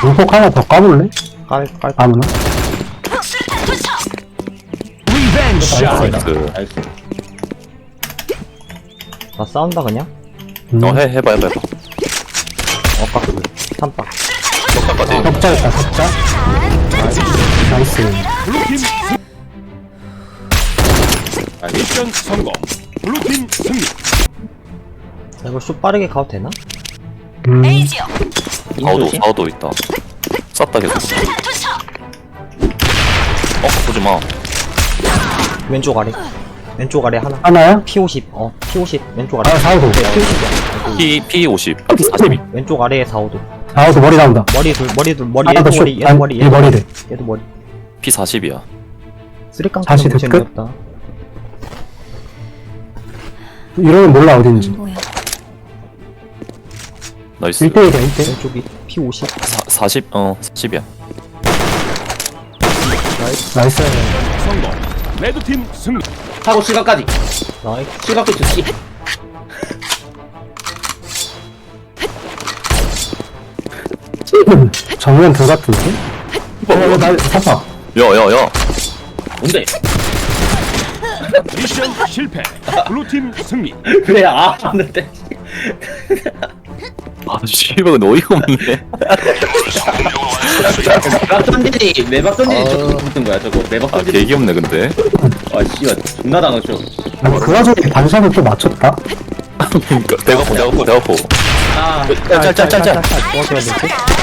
문폭 하나 더 까볼래? 깔 아무나? 나이스. 나이스. 나 싸운다 그냥? 해봐. 깍둘 3박 똑같까지. 석자였다, 석자. 나이스. 미션 성공. 블루팀 승리. 이거 슛 빠르게 가도 되나? 에이지요. 인조지? 사우도 있다. 쌌다 계속. 보지마. 왼쪽 아래 하나 하나야? P50 P50 왼쪽 아래 아, 4호도. 네, P50이야 P50. P40. 왼쪽 아래에 4호도 4호도 머리 나온다. 머리 머리 하나 더 얘도 슛. 머리 얘도 아니, 머리 얘 머리래. 얘도 머리 P40이야. 쓰리깡 다시 너무 됐을까? 재미없다. 이러면 몰라, 어딘지. 뭐야? 나이스. 1대1이야, 1대1. 왼쪽이 P50 40? 40이야. 나이스. 성공. 레드팀 승리. 하고 실각까지. 나이스 실각도 좋지. 정면 둘 같은데? 나, 사파. 야야야. 뭔데? 미션 실패. 블루팀 승리. 그래, 하는데. 씨발 근데 어이가 없네. 매박 던지니, 매박 던지니 저거 붙은 거야, 저거. 매박 던지니. 개 귀엽네 근데. 아, 씨발. 존나 당했죠. 아니, 그 와중에 반샷을 또 맞췄다? 그러니까 대가포. 아, 짤짤짤짤. 도와줘야 되지?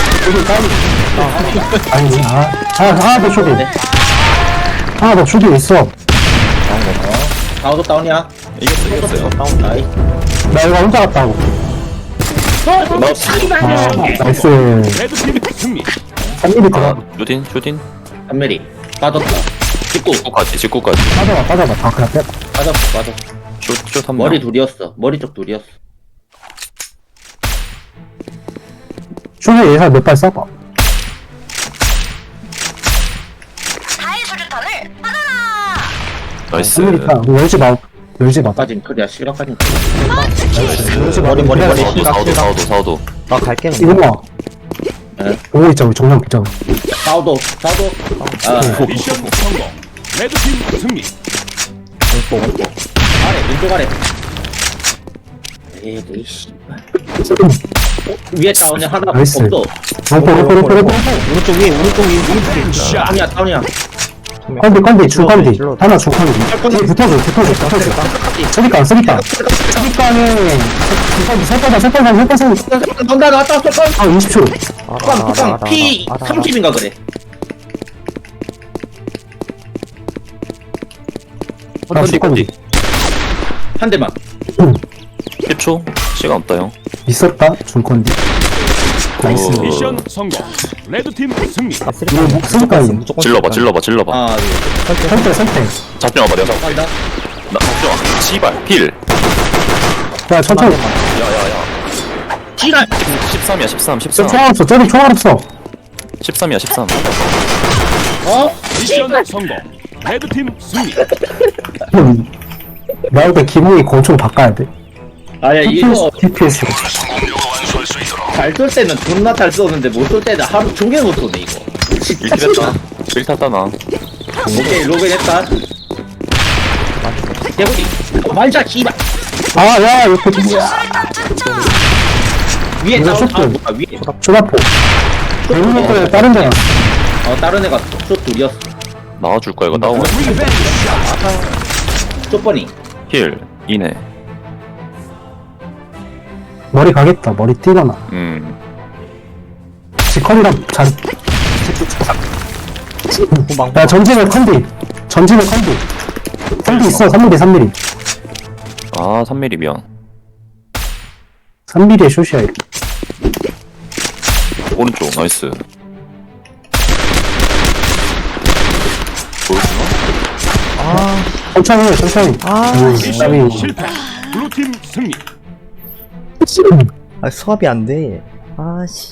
아니, 하나 더 쇼디. 하나 더 쇼디 있어. 다우도 다운이야. 이겼어요. 다운, 나이. 나 이거 혼자 갔다 오고. 나이스. 레드팀 승리. 3mm 들어. 슈딘. 한메리. 빠졌다. 찍고. 직구까지. 빠져봐. 다 그냥 빼. 빠졌어. 슛 한 명. 머리 둘이었어. 머리 쪽 둘이었어. 쇼디 예상 몇 발 쏴봐. 다의 수류탄을 받아라. 나이스. 3mm 열지 마. 까진 그래야 실각까진 열지 마. 머리 사우도. 나 갈게 이거 봐. 네. 보고 있자, 우리 정면 보자. 다우도. 아, 미션 성공. 레드팀 승리. 아래, 왼쪽 아래. 에이, 씨발. 위에 다운이 하나 나이스. 없어. 롱포. 오른쪽 위에 다운이야. 컨디, 중컨디. 하나 중컨디. 붙어줘. 쓰리깡. 쓰리깡에, 설거다. 던다 나왔다, 쏠건. 아, 20초. 꽝, P 30인가 그래. 컨디. 한 대만. 10초. 시간 없다 형. 있었다, 중컨디. 나이스. 오. 미션 성공. 레드팀 승리. 아 이거 쓰리깡 목숨까지. 질러봐. 아, 선택. 잡지 마봐 내가. 간다. 나 잡지. 씨발. 필. 야, 천천히. 야야야. 지랄. 13이야 13. 총알 없어, 저기 총알 없어. 13이야 13. 미션 성공. 레드팀 승리. 나올 때 기분이 권총 바꿔야 돼. 아야, 이거 TPS로. 잘 쏠 때는 존나 잘 쏘는데 못 쏠 때는 하루 종일 못 쏘네, 이거. 1킬 했다. 1 탔다 나. 오케이, 로그인 했다. 대구리. 말자, 씨발. 아, 야, 이거 누구야? 위에 이거 다운, 쇼트. 위에. 쇼라포. 대부분 거에 다른 데가. 다른 애가 쇼 둘이었어. 나와줄 거야 이거 나오면. 쇼퍼니. 힐. 이네. 머리 가겠다, 머리 띄거나. 지컨이랑 잘. 후방 야, 전진을 컨디. 컨디 있어, 3mm. 아 3mm 미안. 3mm의 숏이야, 이거. 오른쪽 나이스. 보여주나? 천천히. 미션 실패. 블루팀 승리. 아 수압이 안돼 아씨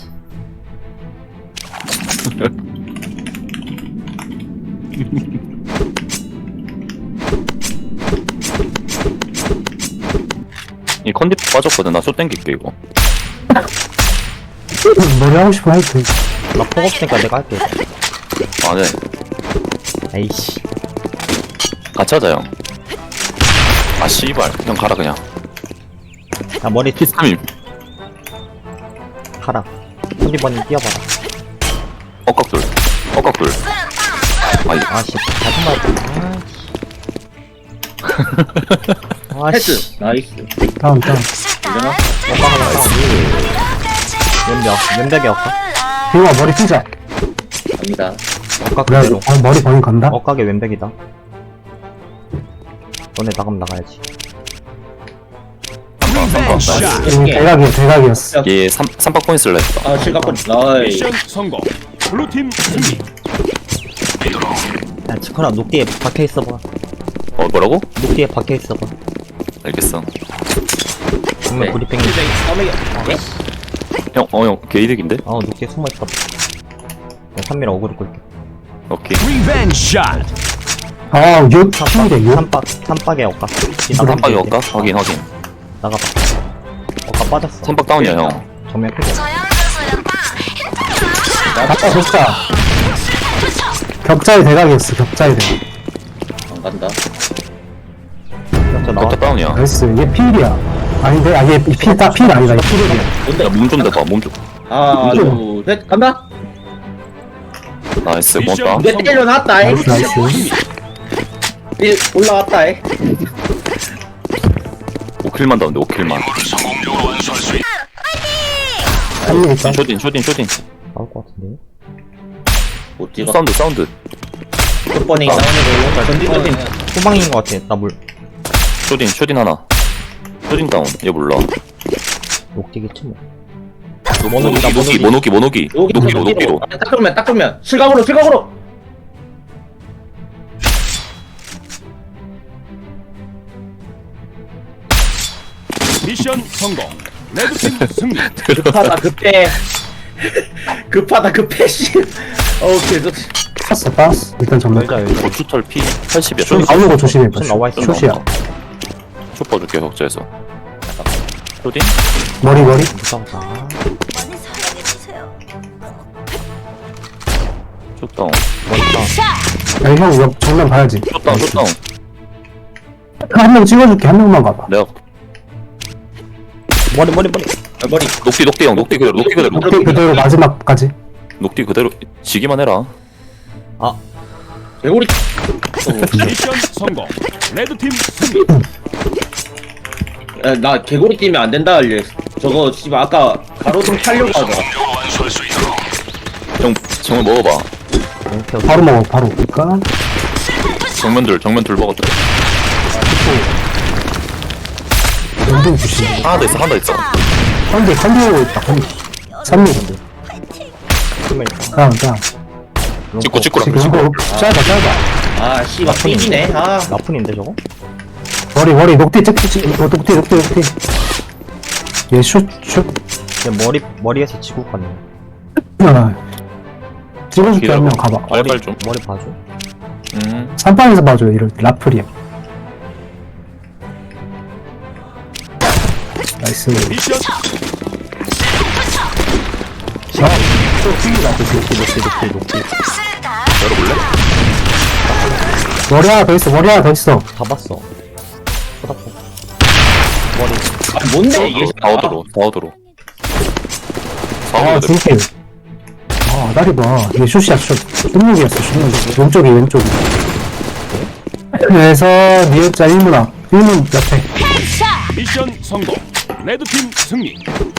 이 컨디프 빠졌거든. 나 숏 땡길게 이거. 머리 하고 싶어 해도 돼. 나폭 없으니까 내가 할게. 아네 에이씨. 같이 하자 형. 아 씨발 형 가라 그냥. 야, 머리 P3임 가라. 손디버님 뛰어봐라. 엇각돌 엇각돌. 아이 아씨, 다시 말해. 아씨. 패스 나이스. 다음 되나? 왼벽이 엇각. 비와 머리 피자. 갑니다. 엇각 그래 그대로. 머리 거긴 간다. 엇각의 왼벽이다. 너네 나가면 나가야지. 대각이었어. 얘 삼박 포인트 쓸라 했다. 아 실각권 나이스. 미션 성공. 블루팀 승리. 야, 치코라 녹디에 박혀있어봐. 뭐라고? 녹디에 박혀있어봐. 알겠어. 정말 네. 브리핑이. 형 게이득인데? 녹디에 숨어있어. 야, 3미라 어그로 끌게. 오케이. 리벤지 샷. 아, 요 피인데 요. 삼박에 엇각. 삼박이 엇각? 확인 나가봐. 엇각 빠졌어. 삼박 다운이야 형. 정면 크게. 아까 격자. 격자의 대각이었어. 격자의 대각. 안 간다. 진짜 나와. 격자 다운이야. 나이스. 얘 필이야. 아닌데? 아, 얘 필 아니다. 얘 필이야. 뭔데? 야몸 좀 대봐 몸 좀. 하나 둘셋 간다. 나이스 미션 고맙다. 이제 때려놨다. 나이스, 나이스. 올라왔다. 5킬만 다운데 5킬만. 한명 있다. 쇼딘 나올 것 같은데. 못 찍어. 사운드 몇 번이 나오는 거 전진적인. 후방인 것 같아. 나 물. 쇼딘 하나. 쇼딘 다운 얘 몰라. 녹디겠지 뭐. 모노기 노기로. 딱 그러면 실각으로. 미션 성공. 레드팀 승리. 급하다 급해 씨. 계속. 땄어. 일단 정말. 열자. 고추털 P 80이야. 좀 나오는 거 조심해. 좀 나와 있어. 숏이야. 숏 봐줄게 격자에서. 쇼딘? 머리. 무서웠다. 많이 사랑해주세요. 숏 다운. 멋있다. 야, 형, 이거 정면 봐야지. 숏 다운. 한 명 찍어줄게. 한 명만 가봐. 내가 머리. 머리. 녹디 형 녹디 그대로. 오케이, 그대로 마지막까지. 녹디 그대로 지기만 해라. 개구리. 미션 성공. 레드팀 승리. 나 개구리 뛰면 안 된다 알려. 저거 씨발 아까 가로등 타려고 하더라. 형 정말 먹어봐. 바로 먹어, 바로. 그니까. 정면 둘 먹었다. 연등 주시. 하나 더 있어. 컨디 있다, 컨디. 3명. 다음. 찍고 지금 이거 짧아. 아 씨발 삐지네. 나쁜인데 저거? 머리. 녹디 녹디. 얘 슛. 근데 머리에서 지구 갔네. 찍어줄게, 한 명 가봐. 빨빨 좀. 머리 봐줘. 3판에서 봐줘요, 이럴 때. 라플이야. 나이스. 미션 녹디. 열어볼래? 머리 하나 더 있어. 다 봤어. 쳐다보. 뭔데 이게? 사오도로. 아, 중길. 아, 다리 봐. 이게 슛이야, 슛. 슛목이었어, 슛목. 왼쪽이. 그래서, 니은자 1문화. 1문 옆에. 미션 성공. 레드팀 승리.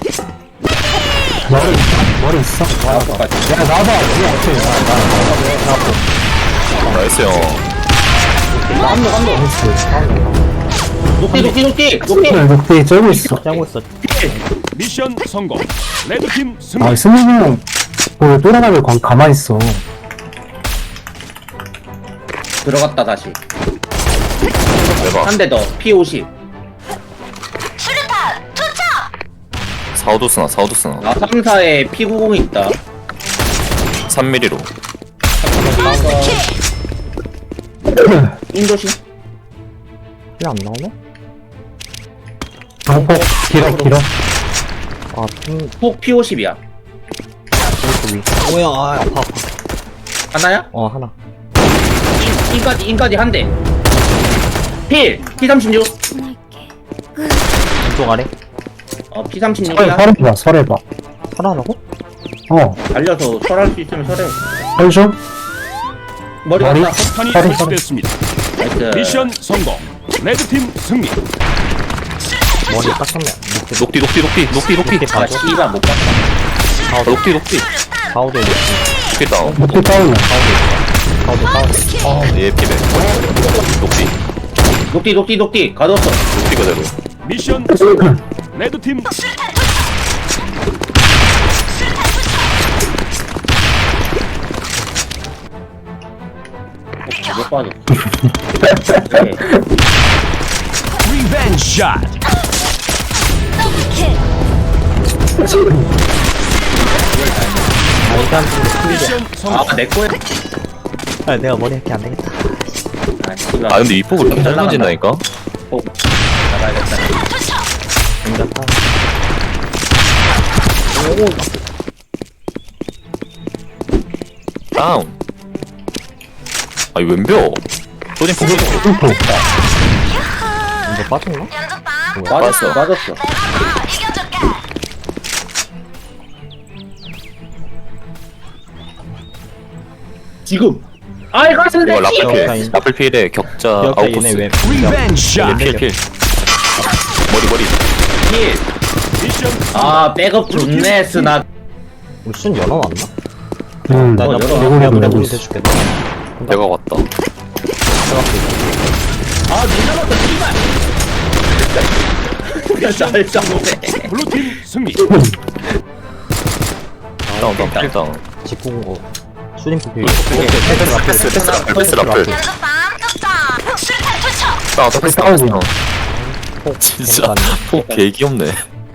머리 있어? 야, 나와봐. 나이스 형. 녹디. 녹디 쩔고 있어. 짜고 있어. 미션 성공. 레드팀 승리. 아, 승민이 형, 또라가면 가만히 있어. 들어갔다 다시. 대박. 한 대 더. P50. 수류탄 투척. 사오도 쓰나. 3사에 P90 있다. 3mm로. 인조심. 힐안 나오네? 방폭, 길어. 아, 폭 P50이야. 위. 뭐야, 아, 아파. 하나야? 하나. 인까지 한 대. 필! P36. 왼쪽 아래. P36이야. 설해봐, 설해봐. 하나라고? 달려서 설할 수 있으면 설해. 설죠? 머리 머리? 갔다. 폭탄이 서리, 설치됐습니다. 나이스. 미션 성공. 레드팀 승리. 머리 딱 쳤네. 녹디 아, 씨발 못 봤다. 녹디 가우드 이제. 녹디 다운 목표 다운이야. 가우드. 얘 피백 녹디 가뒀어. 녹디 그대로 미션 성공. 레드팀 못 빠졌어. 네. 리벤지 샷. 일단 미션 성공. 내 거야. 내가 머리 할게 안 되겠다. 아, 씨발. 아 근데 이 폭을 이렇게 잘 던진다니까 나가야겠다. 괜찮다. 다운 아이 왼벽 소진 폭 뚫고. 이제 빠졌나? 맞았어. 맞았어. 지금. 아이 갔는데. 이거 라플필 라인. 라플필에 격자 기억자 얘네 아웃코스 왜? 리벤지 샷. 필 머리 필. 미션 아, 백업 좋네, 스나. 우리 순 열어놨나? 나 나 열어. 내가 열어. 우리 대줄게. 내가 왔다 아, 늦어졌다, 씨발. 잘 잡네. 블루팀 승리. 다운 필 다운 직구공 거. 수림 PP. 패스 라플 다운 패스 다운 진짜 폭 개귀엽네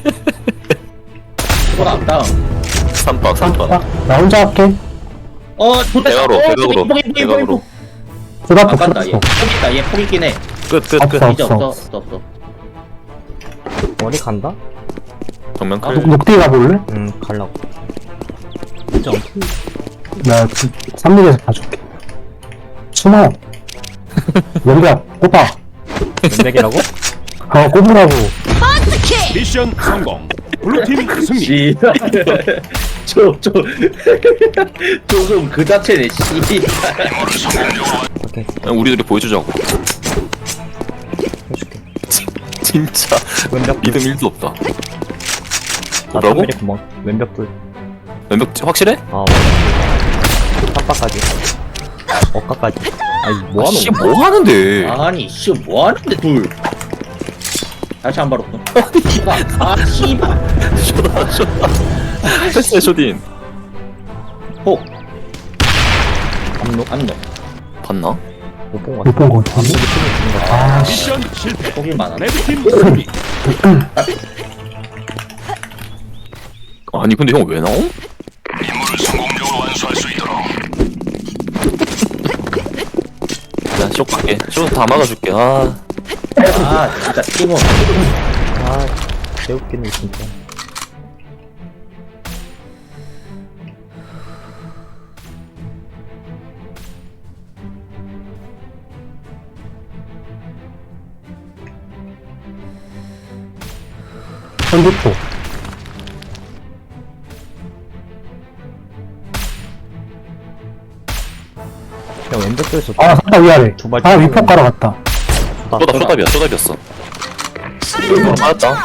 돌아왔다. 3박 나 혼자 할게. 좋다. 대각으로 포기. 그다음 안 간다, 얘. 또 포기 있다, 얘 포기 있긴 해. 끝 없어. 이제 없어. 머리 간다? 정면 클 녹디 가볼래? 갈라고. 진짜 나 3륙에서 봐줄게. 숨어. 연결 꼽아. 연맥이라고? 꼽으라고. 미션 성공. 블루팀 승리. 씨발. 조금 그 자체네, 씨발. 오케이. 그냥 우리들이 보여주자고 해줄게. 진짜 왼벽 믿음 1도 없다 나 뭐라고? 탑미리 구멍. 왼벽 불. 왼벽 확실해? 탑바까지. 어까까지. 아니 뭐하노? 씨 뭐하는데 아니, 씨, 뭐 하는데, 둘. 다시 한 발 없어. 아, 씨발. 쇼다 패스해 쇼딘 폭. 암록? 안 넣어. 봤나? 못본 거 못 같아. 본 거 같아. 아, 씨. 미션 실패. 폭이 많아. 레드팀 승리. 아니 근데 형 왜 나옴? 난쇼 갈게 쇼 다 막아줄게 아 진짜, 팀원. 개웃기네 진짜. 선두포. 야 왼벽 불에서 아, 샀다, 위아래. 두 발 아, 위폭 가러 갔다. 쇼답이었어 맞았다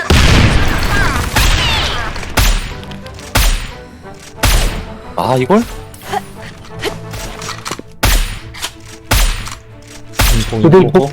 아 이걸? 그대 위폭.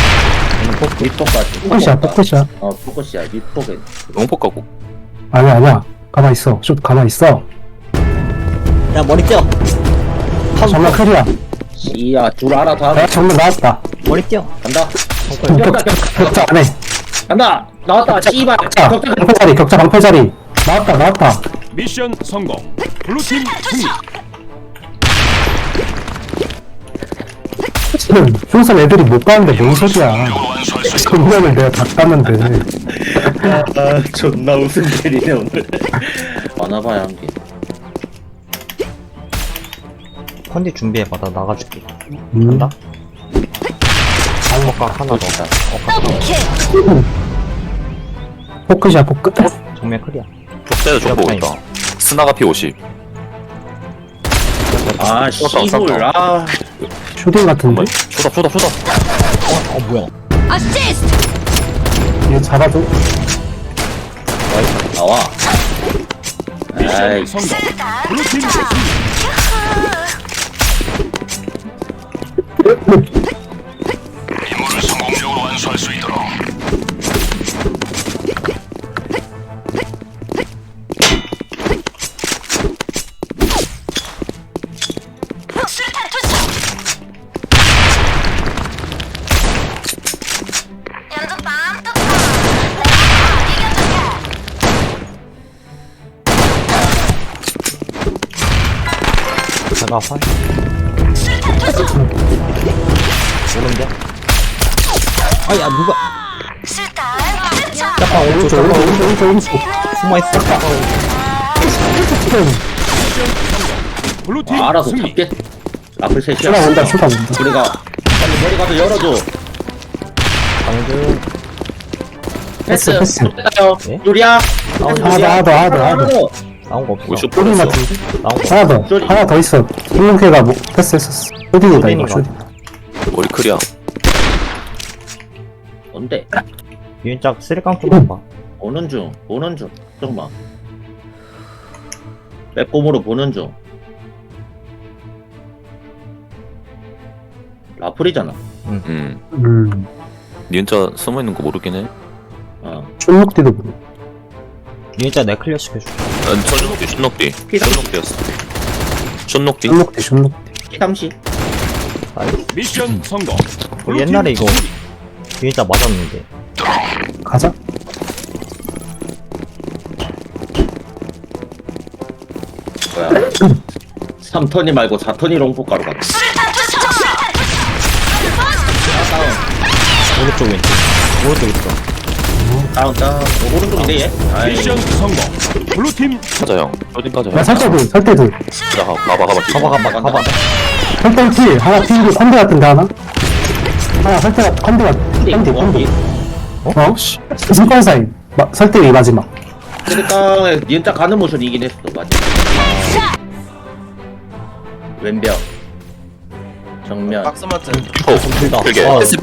밑폭까지. 포커시야, 포커시야. 포커시야. 밑폭에. 영폭 가고 아니야. 가만 있어. 좀 가만 있어. 야 머리 띄어. 정말 클이야. 씨야, 줄 알아서 하고. 야, 정말 나왔다. 머리 띄어. 간다. 격자 안 해. 간다. 나왔다. 씨발. 자, 방패자리, 격자 방패자리. 나왔다. 미션 성공. 블루팀 승리. 지금 흉선 애들이 못 가는데 뭔 소리야. 정면을 내가 다 깠는데. 존나 웃음 때리네, 오늘. 많아봐야 한 게. 컨디 준비해봐. 나 나가줄게. 음. 간다? 엇각 하나 더. 엇각 하나 더블킬. 포크샷, 포크. 정면 클리어. 족대도 좀 보고 있다. 스나가 P50. 아 씨불 아 슈딩 같은데? 쇼다. 뭐야. 어시스트. 얘 잡아줘. 나와 미션 아이 성공. 블루팀 승리. 임무를 성공적으로 완수할 수 있도록 수류탄 투척. 연전 빵 뚜껑. 내가 이겨줄게. 제가 활. 수류탄 투척. 오는데? 아야 누가 수류탄 투척. 짝방 오른쪽 오른쪽. 숨어있어. 블루팀 알아서 승리. 잡겠 라플 셋이야 슈다 온다, 슈다 온다. 우리가 빨리 머리 가서 열어줘 방금 패스 패스. 가요 네? 요리야 나온 거 하나 더. 나온 거 없어. 우리 쇼 슈딩 풀었어. 같은데? 나온 거. 하나 더. 하나 더 있어. 힐링크가 뭐, 패스했었어. 슈딩이다, 이거, 슈딩인가? 슈딩. 우리 크리아. 뭔데 유인짝 쓰리깡 좀 봐. 보는 중 잠깐만 빼꼼으로 보는 중 라플이잖아 니 혼자 숨어있는 거 모르긴 해. 쫀목띠도 모르. 유인짝 내 클리어 시켜줘. 난 쫀녹띠. 쫀녹띠였어. 쫀녹띠. 쫀목띠, 쫀목띠. 피담시 미션 성공. 우리 옛날에 이거 유인짝 맞았는데. 가자. 뭐야 3턴이 말고 4턴이 롱포가로 갔다 수류탄 투척. 오른쪽 왼쪽. 오른쪽 있어. 다운 오른쪽인데 얘 아이 미션 성공. 블루팀 가자 형. 쇼딩 가자 야, 형. 설대들. 가자 가봐. 가봐. 설대 필. 하나 필이고, 컨대 같은데, 하나? 하나, 설대, 컨대 컨대. 어? 승권 사이. 설대 위 마지막. 그러니까 니은자 가는 모션이긴 했어 맞아 왼벽 정면 박스마트 오. 길게. 어. 패스.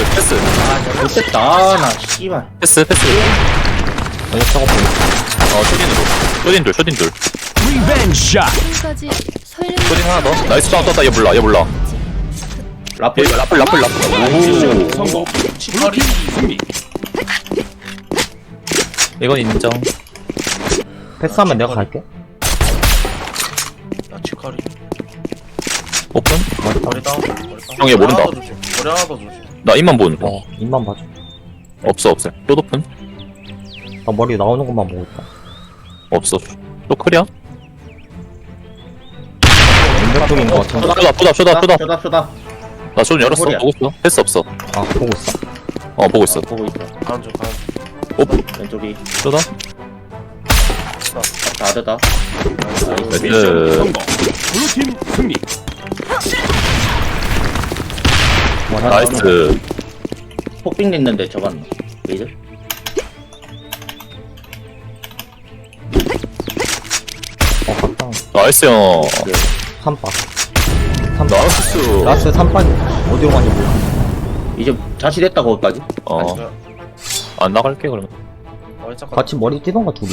못됐다 나 씨발 패스. 아니 저거 보여. 쇼딘으로. 쇼딘 둘. 리벤지 샷. 지금까지 설렘. 쇼딘 하나 더. 나이스 떴다. 얘 몰라. 라플 라플. 미션 성공. 블루팀 승리. 이건 인정. 패스하면 내가 갈게. 야 치카리 오픈. 머리 다운 형, 얘 모른다. 머리 하나 더 조심 나 입만 보는 거. 어 입만 봐줘. 없어. 또 오픈. 나 머리 나오는 것만 보고 있다. 없어. 또 크리아. 왼쪽 쪽인 거 같은데. 쇼다. 나 쇼딘 열었어. 머리야. 보고 있어. 패스 없어. 아 보고 있어. 보고 있어. 보고 있어 가는 중 왼쪽이 쇼다. 다르다 미션 네. 성공. 블루팀 승리. 나이스. 폭빙 냈는데 저건 레이저 갔다. 나이스 형. 3박. 나이스. 라스 3박 어디로 가는지 몰라. 이제 자시됐다 거기까지 안 나갈게 그러면. 머리 잠깐 같이 머리 뛰던가 둘이.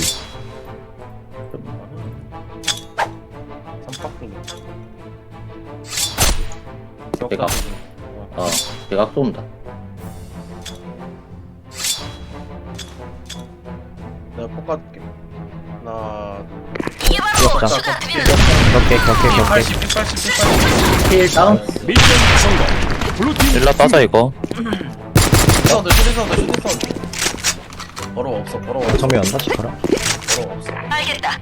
내가 내가 쏜다 내가 pokaz게 하나 귀엽다. 수류탄 격게. 80 킬 다운 미션 성공. 블루팀 일라 따자 이거. 사운드 슈팅 사운드 버러 없어 정면 연다 치카라. 버러 없어 알겠다.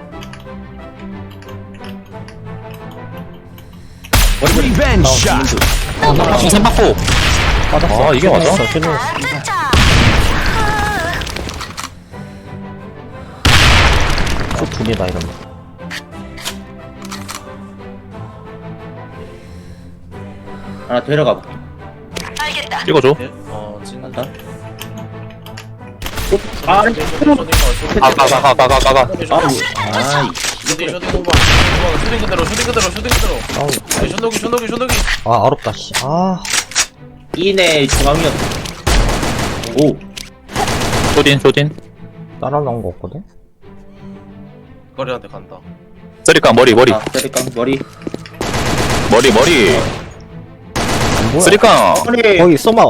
리벤지 샷. 중산 받고. 빠졌어. 아, 이게 맞아? 투척. 두 개다 이러면. 하나 데려가 볼게. 알겠다. 찍어줘. 진다. 아, 가가가가가가. 아이. 슈팅 오버. 슈팅 그대로. 쇼노기. 아 어렵다 씨. 아 이내 중앙이었. 오. 쇼딘. 따라 나온 거 없거든. 거리한테 간다. 쓰리깡 머리. 아, 때릴까? 머리. 안 보여. 쓰리깡. 머리. 거기 쏘마.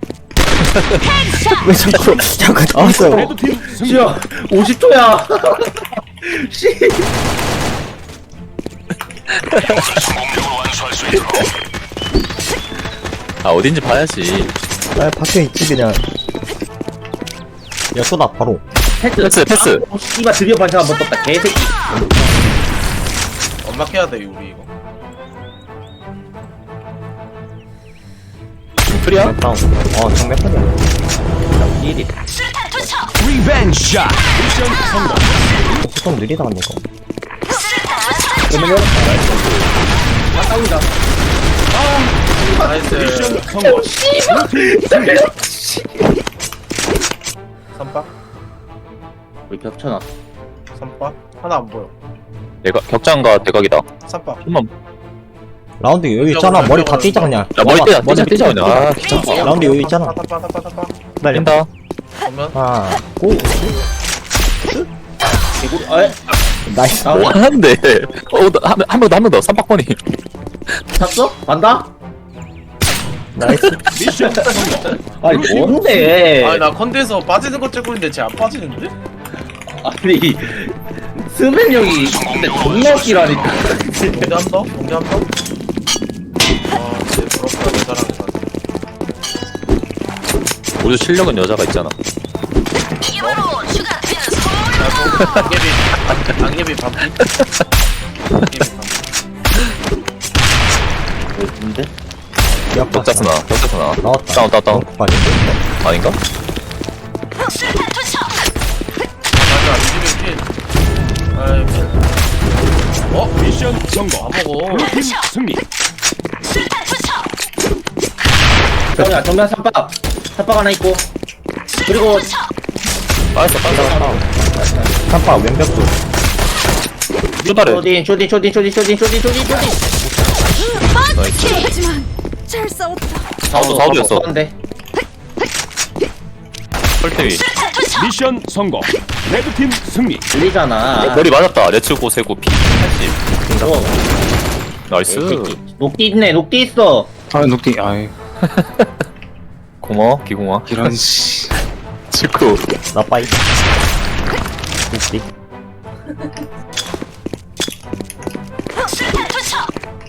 왜 자꾸 나왔어요. 레드팀 승리. 씨야, 50초야. 씨. 아 어딘지 봐야지. 아 밖에 있지 그냥. 야 쏘다 바로. 패스. 아, 씨발 드디어 반찬 한번 떴다. 개새끼. 엄막해야 돼 우리 이거. 프리야? 다운. 정면 편이야. 1위. 수류탄 투척. 리벤지 샷. 미션 성공. 보통 느리다 간다 이거. 수류탄 투척. 싸우자. 나이스. 미션 성공. 블루팀 승리. 선박. 우리 겹쳐놨. 선박. 하나 안 보여. 내가 격장과 대각이다. 선박. 좀만. 라운드 여기 있잖아. 머리 다 띄자 그냥. 야 머리 떼자. 떼자 그냥. 아 띄자. 귀찮아. 라운드 여기 있잖아. 타타타타타타. 기다려. 뛴다. 보면 아 고. 개구. 에? 나이스. 나 뭐 하는데? 한 명 더. 삼박번이. 탔어? 간다? 나이스. 미션 성공. 아니 뭔데? 아니 나 컨대에서 빠지는 거 찍고 있는데 쟤 안 빠지는데? 아니 스맨 형이 근데 존나 웃기라니까. 동대 한 더? 동대 한 더? 쟤 부럽다 여자랑 해가지고. 우리 실력은 여자가 있잖아. 이게 바로 슈가 되는 소울. 안개비 반피? 안개비 반피. 뭔데? 격자스나. 나왔다. 다운. 빠져. 아닌가? 수류탄 투척. 맞아 안개비 필. 아이 필. 미션 성공. 안 먹어. 블루팀 승리. 수류탄 투척. 정면 삼박 하나 있고 그리고 빠졌어. 깜빡 왼벽도. 쭈다래. 쇼딘. 하지만 잘 싸웠다. 사우드였어. 데 펄테위. 수류탄 투척. 미션 성공. 레드팀 승리. 들리잖아. 머리 맞았다. 레츠고 세고 피. 80. 어, 나이스. 녹디 있네. 녹디 있어. 아, 녹디, 아이, 고마워. 기공아. 이런, 씨. 직구. 나 빠이. 웃기. 수류탄 투척.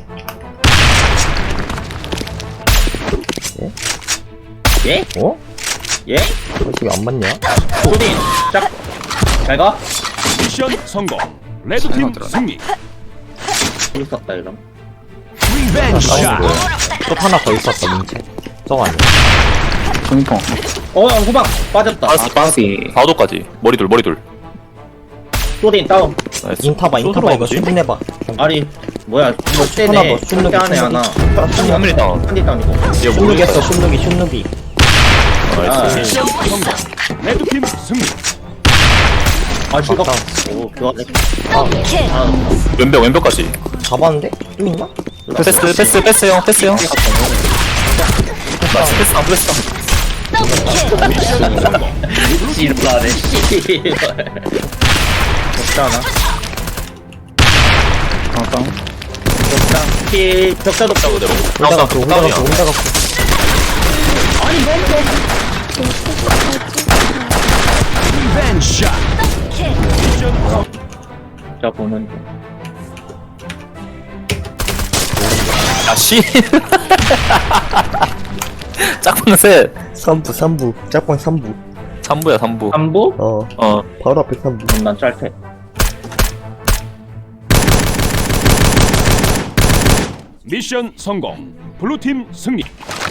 예? 어? 예? 어떻게 안 맞냐? 쇼딘. 짝. 잘 가. 미션 성공. 레드팀 승리. 재밌었다 이런. 리벤지 샷. 또 하나 더 있었다 민채. 저거 아니야? 종이통. 후방 빠졌다. 빠지. 4도까지. 머리둘. 쇼딘 다운. 나이스. 인타봐 이거 수준해봐. 아니 뭐야 뭐 하나 더, 슛누기, 안에 하나. 한 미리 다운. 한디 다운이고. 얘 슛누기 했어 슛누기. 나이스. 미션 성공. 레드팀 승리. 아 실각. 다운. 오 교환해. 오케이. 아 왼벽까지. 잡았는데? 또 있나? 패스 형. 나이스. 패스. 미션 성공. 씨발하네. 씨발. 적잖아. 격자도 격자 그대로. 혼자 갖고. 리벤지 샷. 미션 자 보면 아 씨. 짝꿍 셋. 3부 짝꿍 3부 3부야 3부. 3부? 바로 앞에 3부 난 짧게. 미션 성공. 블루팀 승리.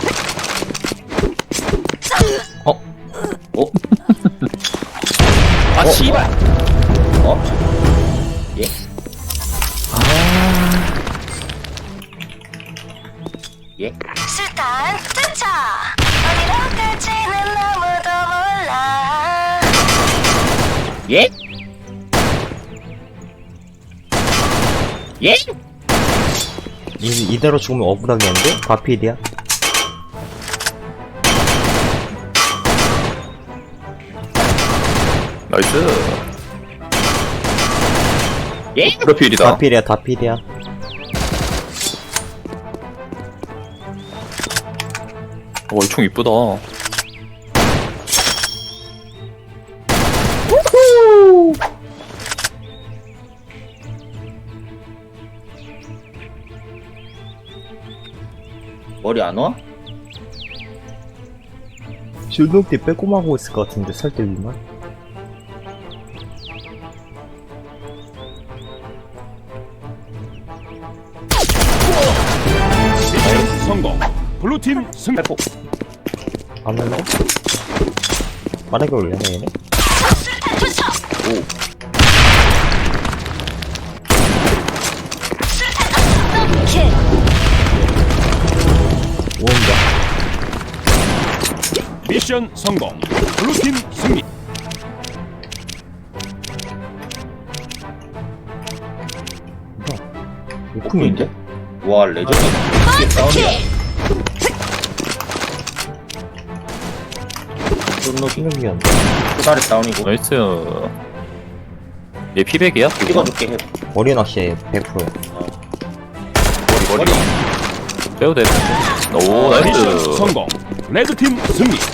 아 씨발. 어? 예? 술탄 투척. 어디로 갈지는 아무도 몰라. 예? 예? 이대로 죽으면 억울하겠는데? 과필이야? 나이스. 예? 프로필이다. 과필이야, 다필이야. 이 총 이쁘다. 머리 안 와? 줄넘기 빼꼼하고 있을 것 같은데, 설대 위만? 미션 성공. 블루팀 승리. 안 할래? 만약에 올려네, 얘네? 술탄 투척. 술탄 투척. 더블킬. 오온다. 미션 성공. 블루팀 승리. 우쿵인데? 와 레전드. 더블킬. 신경이었네. 수다리 다운이고. 나이스. 얘 피백이야? 찍어줄게 해. 머리 낚시에 100%야. 머리. 빼도 되는데. 오, 미션 나이스. 성공. 레드팀 승리.